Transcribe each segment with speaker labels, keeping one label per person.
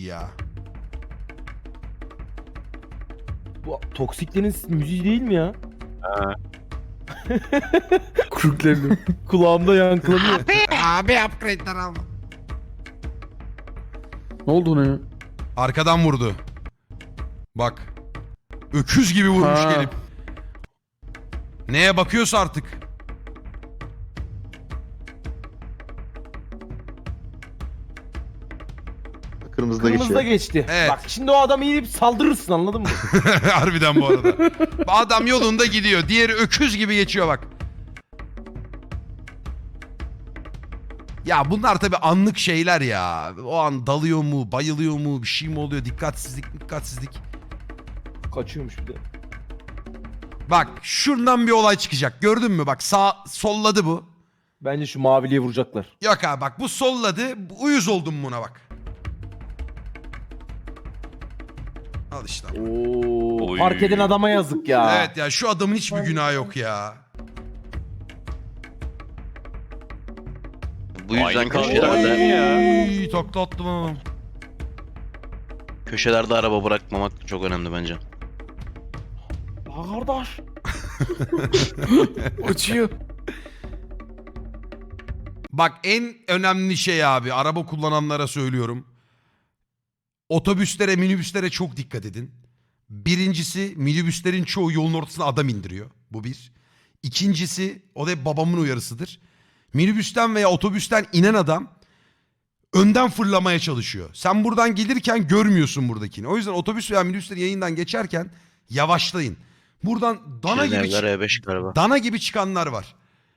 Speaker 1: ya.
Speaker 2: Bu Toksiklerin müziği değil mi ya?
Speaker 3: Krüklerini.
Speaker 2: Kulağımda yankılanıyor.
Speaker 1: Abi upgrade'ler alma.
Speaker 3: Ne oldu ona ya?
Speaker 1: Arkadan vurdu. Bak. Öküz gibi vurmuş
Speaker 3: Ha.
Speaker 1: gelip. Neye bakıyorsa artık.
Speaker 4: Kırmızıda
Speaker 2: Kırmızıda
Speaker 4: geçiyor.
Speaker 2: geçti.
Speaker 1: Evet.
Speaker 2: Bak şimdi o adamı inip saldırırsın, anladın mı?
Speaker 1: Harbiden bu arada. Adam yolunda gidiyor. Diğeri öküz gibi geçiyor bak. Ya bunlar tabii anlık şeyler ya. O an dalıyor mu, bayılıyor mu, bir şey mi oluyor? Dikkatsizlik.
Speaker 2: Kaçıyormuş bir de.
Speaker 1: Bak şuradan bir olay çıkacak. Gördün mü? Bak solladı bu.
Speaker 2: Bence şu maviliye vuracaklar.
Speaker 1: Yok abi bak bu solladı. Uyuz oldum buna bak. Al işte.
Speaker 2: Oo,
Speaker 5: Oy.
Speaker 2: fark eden adama yazık ya.
Speaker 1: Evet ya şu adamın hiçbir günahı yok ya.
Speaker 6: Bu yüzden
Speaker 5: Aynı kavga
Speaker 6: köşelerde,
Speaker 5: ya.
Speaker 1: Takla attım.
Speaker 6: köşelerde araba bırakmamak çok önemli bence.
Speaker 2: Aa, kardeş.
Speaker 3: Açıyor.
Speaker 1: Bak en önemli şey abi araba kullananlara söylüyorum. Otobüslere, minibüslere çok dikkat edin. Birincisi minibüslerin çoğu yolun ortasına adam indiriyor. Bu bir. İkincisi o da hep babamın uyarısıdır. Minibüsten veya otobüsten inen adam önden fırlamaya çalışıyor. Sen buradan gelirken görmüyorsun buradakini. O yüzden otobüs veya minibüslerin yayından geçerken yavaşlayın. Buradan
Speaker 6: Şirinevler E5 galiba.
Speaker 1: dana gibi çıkanlar var.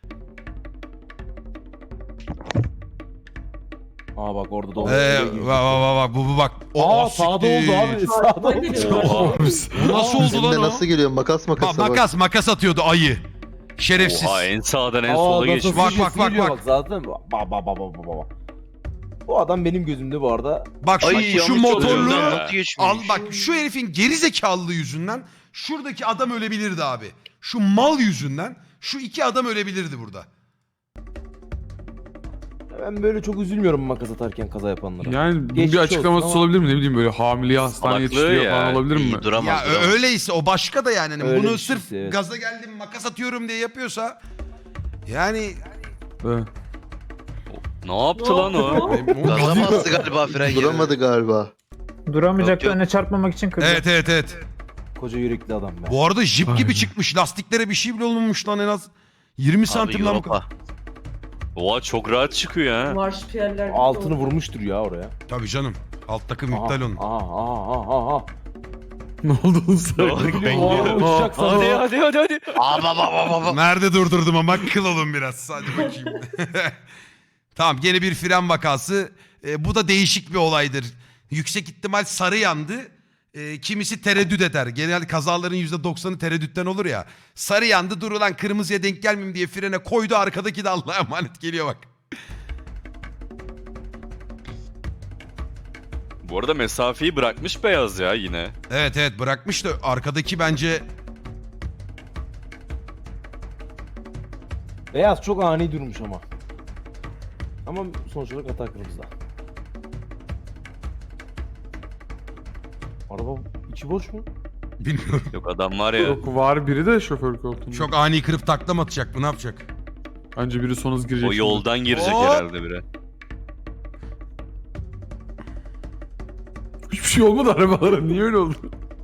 Speaker 2: Aa bak orada da
Speaker 1: Bak bu bak.
Speaker 2: Aa sağda oldu abi. Sağda oldu.
Speaker 1: Bu nasıl oldu
Speaker 4: Bizim
Speaker 1: lan
Speaker 4: de
Speaker 1: o?
Speaker 4: nasıl geliyor? Makas bak.
Speaker 1: Makas atıyordu ayı. Şerefsiz.
Speaker 5: Oha en sağdan en
Speaker 2: Aa,
Speaker 5: sola
Speaker 2: nasıl
Speaker 5: geçmiş.
Speaker 1: Bak,
Speaker 2: sürüyor,
Speaker 1: bak,
Speaker 2: sürüyor
Speaker 1: bak.
Speaker 2: Zaten bak. Bu adam benim gözümde bu arada.
Speaker 1: Bak şu
Speaker 6: Ay,
Speaker 1: şu
Speaker 6: yanlış
Speaker 1: motorlu
Speaker 6: oluyor
Speaker 5: ya.
Speaker 6: nasıl geçmiş?
Speaker 1: al bak şu herifin gerizekalılığı yüzünden şuradaki adam ölebilirdi abi. Şu mal yüzünden şu iki adam ölebilirdi burada.
Speaker 2: Ben böyle çok üzülmüyorum makas atarken kaza yapanlara.
Speaker 3: Yani bunun
Speaker 2: Geçmiş
Speaker 3: bir açıklaması
Speaker 2: olsun ama-
Speaker 3: olabilir mi? Ne bileyim böyle hamileye hastaneye
Speaker 5: Salaklığı
Speaker 3: yetiştiriyor
Speaker 5: ya.
Speaker 3: falan olabilir mi?
Speaker 6: İyi duramaz.
Speaker 1: Ya
Speaker 6: duramaz.
Speaker 1: öyleyse o başka da yani. Hani
Speaker 2: Öyle
Speaker 1: bunu
Speaker 2: bir şeyse,
Speaker 1: sırf
Speaker 2: evet.
Speaker 1: gaza geldim makas atıyorum diye yapıyorsa yani
Speaker 3: Evet.
Speaker 5: Ne yaptı lan o?
Speaker 6: Gaza bastı galiba fren yerine.
Speaker 4: Duramadı galiba.
Speaker 7: Duramayacaktı,
Speaker 6: Yok, yok.
Speaker 7: önüne çarpmamak için kırdı.
Speaker 1: evet.
Speaker 2: Koca yürekli adam ben.
Speaker 1: Bu arada jip gibi
Speaker 3: Aynen.
Speaker 1: çıkmış. Lastiklere bir şey bile olmamış lan en az 20
Speaker 6: Abi
Speaker 1: santim lan bu kadar.
Speaker 6: Europa.
Speaker 5: Oha çok rahat çıkıyor ha.
Speaker 8: Marşpiyerler.
Speaker 2: Altını vurmuştur ya oraya.
Speaker 1: Tabii canım. Alt takım iptal onun.
Speaker 2: Aha.
Speaker 3: Ne oldu oğlum sen?
Speaker 2: O araba uçacak sanıyor.
Speaker 5: Hadi.
Speaker 1: Nerede durdurdum ama kıl olun biraz. Hadi bakayım. Tamam gene bir fren vakası. Bu da değişik bir olaydır. Yüksek ihtimal sarı yandı. Kimisi tereddüt eder. Genel kazaların %90'ı tereddütten olur ya. Sarı yandı dur ulan kırmızıya denk gelmeyeyim diye frene koydu. Arkadaki de Allah'a emanet geliyor bak.
Speaker 5: Bu arada mesafeyi bırakmış beyaz ya yine.
Speaker 1: Evet bırakmış da arkadaki bence...
Speaker 2: Beyaz çok ani durmuş ama. Ama sonuç olarak hata kırmızıda. Araba içi boş mu?
Speaker 1: Bilmiyorum.
Speaker 5: Yok adam var ya.
Speaker 3: Yok var biri de şoför koltuğunda.
Speaker 1: Çok ani kırıp taklam atacak mı ne yapacak?
Speaker 3: Bence biri son hız girecek.
Speaker 5: O
Speaker 3: şimdi.
Speaker 5: yoldan girecek
Speaker 1: Hop.
Speaker 5: herhalde biri.
Speaker 3: Hiçbir şey olmadı arabalara. Niye öyle oldu?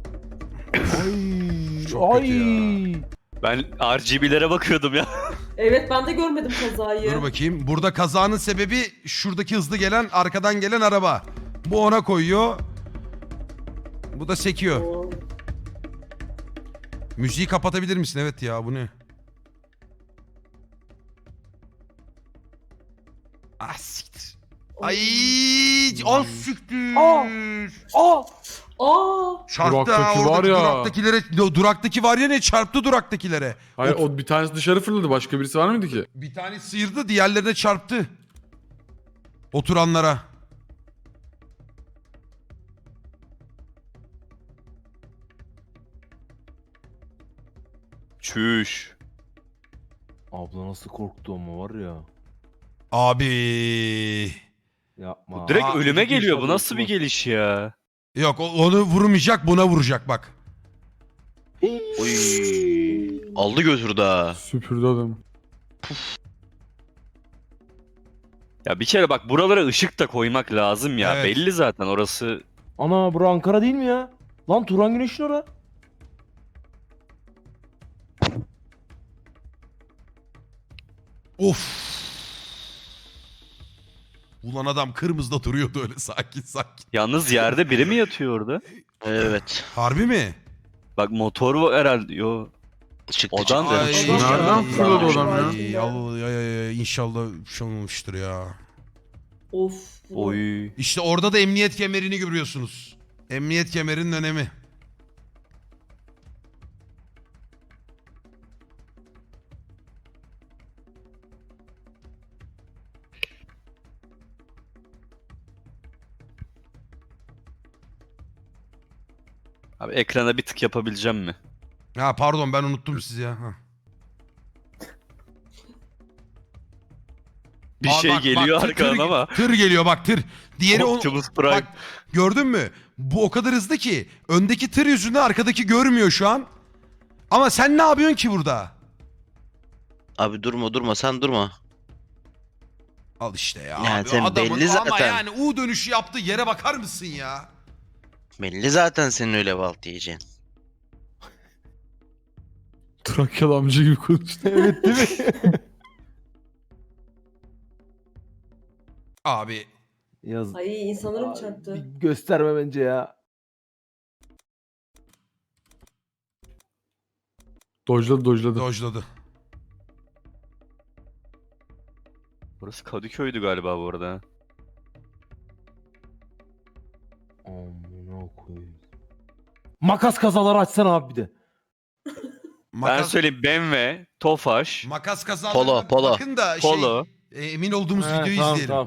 Speaker 1: Çok kötü
Speaker 5: Ben RGB'lere bakıyordum ya.
Speaker 8: Evet ben de görmedim kazayı.
Speaker 1: Dur bakayım. Burada kazanın sebebi şuradaki hızlı gelen arkadan gelen araba. Bu ona koyuyor. Bu da sekiyor.
Speaker 8: Oo.
Speaker 1: Müziği kapatabilir misin? Evet ya bu ne? Ah siktir. Ay, az siktir.
Speaker 2: Aa!
Speaker 1: Çarptı ha
Speaker 3: Duraktaki
Speaker 1: oradaki
Speaker 3: var ya.
Speaker 1: duraktakilere. Duraktaki var ya ne çarptı duraktakilere.
Speaker 3: Hayır o bir tanesi dışarı fırladı. Başka birisi var mıydı ki?
Speaker 1: Bir tane sıyırdı diğerlerine çarptı. Oturanlara.
Speaker 5: Çüş.
Speaker 2: Abla nasıl korktu ama var ya.
Speaker 1: Abi.
Speaker 2: Yapma.
Speaker 5: Direkt
Speaker 1: Aa,
Speaker 5: ölüme
Speaker 2: bir
Speaker 5: geliyor. Bu
Speaker 2: inşallah
Speaker 5: nasıl bir
Speaker 2: unutmaz.
Speaker 5: geliş ya?
Speaker 1: Yok onu vurmayacak, buna vuracak bak.
Speaker 6: Oy. Aldı götürdü ha.
Speaker 3: Süpürdü adamı.
Speaker 5: Ya bir kere bak buralara ışık da koymak lazım ya.
Speaker 1: Evet.
Speaker 5: Belli zaten orası.
Speaker 2: Ana bura Ankara değil mi ya? Lan Turan Güneş'in ora.
Speaker 1: Of. Ulan adam kırmızıda duruyordu öyle sakin sakin.
Speaker 5: Yalnız yerde biri mi yatıyor orada?
Speaker 6: Evet.
Speaker 1: Harbi mi?
Speaker 5: Bak motor var herhalde. Yo.
Speaker 6: Çıktı
Speaker 5: Odan
Speaker 6: çıktı.
Speaker 5: da-
Speaker 3: Nereden fırladı adam ya?
Speaker 1: Ay, inşallah bir şey olmamıştır ya.
Speaker 8: Of.
Speaker 5: Oy.
Speaker 1: İşte orada da emniyet kemerini görüyorsunuz. Emniyet kemerinin önemi.
Speaker 5: Abi ekrana bir tık yapabileceğim mi?
Speaker 1: Ha pardon ben unuttum sizi ya. Ha.
Speaker 5: Bir
Speaker 1: Aa,
Speaker 5: şey
Speaker 1: bak,
Speaker 5: geliyor
Speaker 1: tır-
Speaker 5: arkadan
Speaker 1: tır-
Speaker 5: ama.
Speaker 1: Tır geliyor bak tır. Diğeri
Speaker 5: Optimus Prime.
Speaker 1: Bak gördün mü? Bu o kadar hızlı ki öndeki tır yüzünden arkadaki görmüyor şu an. Ama sen ne yapıyorsun ki burada?
Speaker 6: Abi durma sen durma.
Speaker 1: Al işte ya.
Speaker 6: Ya
Speaker 1: abi,
Speaker 6: sen
Speaker 1: adamın
Speaker 6: belli
Speaker 1: ama
Speaker 6: zaten.
Speaker 1: yani U dönüşü yaptı yere bakar mısın ya?
Speaker 6: Belli zaten senin öyle balt yiyeceksin.
Speaker 3: Trakyalı amca gibi konuştu.
Speaker 2: Evet değil mi?
Speaker 1: Abi
Speaker 2: Yaz.
Speaker 8: Ay insanlara mı
Speaker 2: Bir
Speaker 8: çarptı?
Speaker 2: gösterme bence ya.
Speaker 3: Dojladı.
Speaker 1: dojladı.
Speaker 5: Burası Kadıköy'dü galiba bu arada.
Speaker 2: Amına koyayım. Makas kazaları açsana abi bir de.
Speaker 5: Ben
Speaker 1: Makas,
Speaker 5: söyleyeyim BMW, Tofaş,
Speaker 1: makas kazalarına
Speaker 6: Polo.
Speaker 1: bakın da
Speaker 5: Polo.
Speaker 1: emin olduğumuz videoyu
Speaker 2: tamam,
Speaker 1: izleyelim.
Speaker 2: tamam.